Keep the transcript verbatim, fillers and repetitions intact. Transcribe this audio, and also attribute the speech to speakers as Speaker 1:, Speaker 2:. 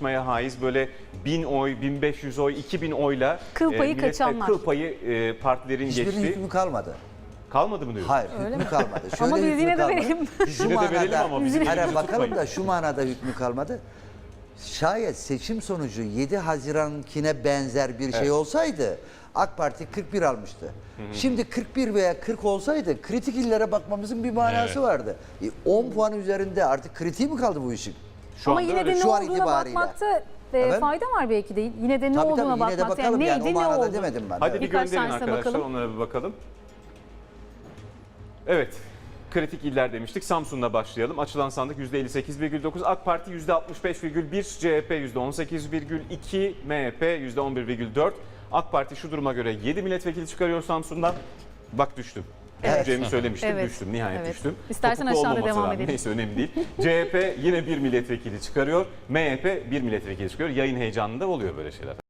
Speaker 1: tartışmaya haiz böyle bin oy, bin beş yüz oy, iki bin oyla
Speaker 2: Kıl payı
Speaker 1: millette
Speaker 2: kaçanlar.
Speaker 1: Kıl payı e, partilerin
Speaker 3: Hiçbirinin
Speaker 1: geçti.
Speaker 3: hükmü kalmadı.
Speaker 1: Kalmadı mı diyorsun?
Speaker 3: Hayır, hükmü kalmadı.
Speaker 2: Ama biz
Speaker 3: hükmü
Speaker 2: yine de
Speaker 3: kalmadı.
Speaker 2: verelim.
Speaker 3: Şu
Speaker 1: Yine de verelim ama bizim
Speaker 3: Hayır,
Speaker 1: elimizi
Speaker 3: bakalım
Speaker 1: tutmayın.
Speaker 3: da şu manada hükmü kalmadı. Şayet seçim sonucu yedi Haziran'kine benzer bir şey olsaydı AK Parti kırk bir almıştı. Şimdi kırk bir veya kırk olsaydı kritik illere bakmamızın bir manası
Speaker 1: Evet.
Speaker 3: vardı. E, on puan üzerinde artık kritiği mi kaldı bu işin?
Speaker 1: Şu
Speaker 2: Ama
Speaker 1: anda
Speaker 2: yine
Speaker 1: öyle.
Speaker 2: de ne
Speaker 3: Şu an
Speaker 2: olduğuna
Speaker 3: itibariyle.
Speaker 2: bakmakta e,
Speaker 3: Efendim?
Speaker 2: fayda var belki de. Yine de ne
Speaker 3: Tabii
Speaker 2: olduğuna
Speaker 3: tabii yine de
Speaker 2: bakmakta.
Speaker 3: bakalım yani,
Speaker 2: neydi
Speaker 3: o
Speaker 2: ne
Speaker 3: manada
Speaker 2: oldu?
Speaker 3: demedim ben.
Speaker 1: Hadi
Speaker 3: Evet.
Speaker 1: bir
Speaker 2: Birkaç
Speaker 1: gönderin
Speaker 2: tanesine
Speaker 1: arkadaşlar,
Speaker 2: bakalım.
Speaker 1: onlara bir bakalım. Evet, kritik iller demiştik. Samsun'la başlayalım. Açılan sandık yüzde elli sekiz virgül dokuz, AK Parti yüzde altmış beş virgül bir, C H P yüzde on sekiz virgül iki, M H P yüzde on bir virgül dört. AK Parti şu duruma göre yedi milletvekili çıkarıyor Samsun'dan. Bak düştüm.
Speaker 2: Evet.
Speaker 1: Düşeceğimi söylemiştim,
Speaker 2: Evet.
Speaker 1: düştüm. Nihayet
Speaker 2: Evet.
Speaker 1: düştüm.
Speaker 2: İstersen
Speaker 1: Topuklu
Speaker 2: aşağıda
Speaker 1: olmaması
Speaker 2: devam
Speaker 1: lazım.
Speaker 2: edelim.
Speaker 1: Neyse, önemli değil. C H P yine bir milletvekili çıkarıyor. M H P bir milletvekili çıkarıyor. Yayın heyecanında oluyor böyle şeyler.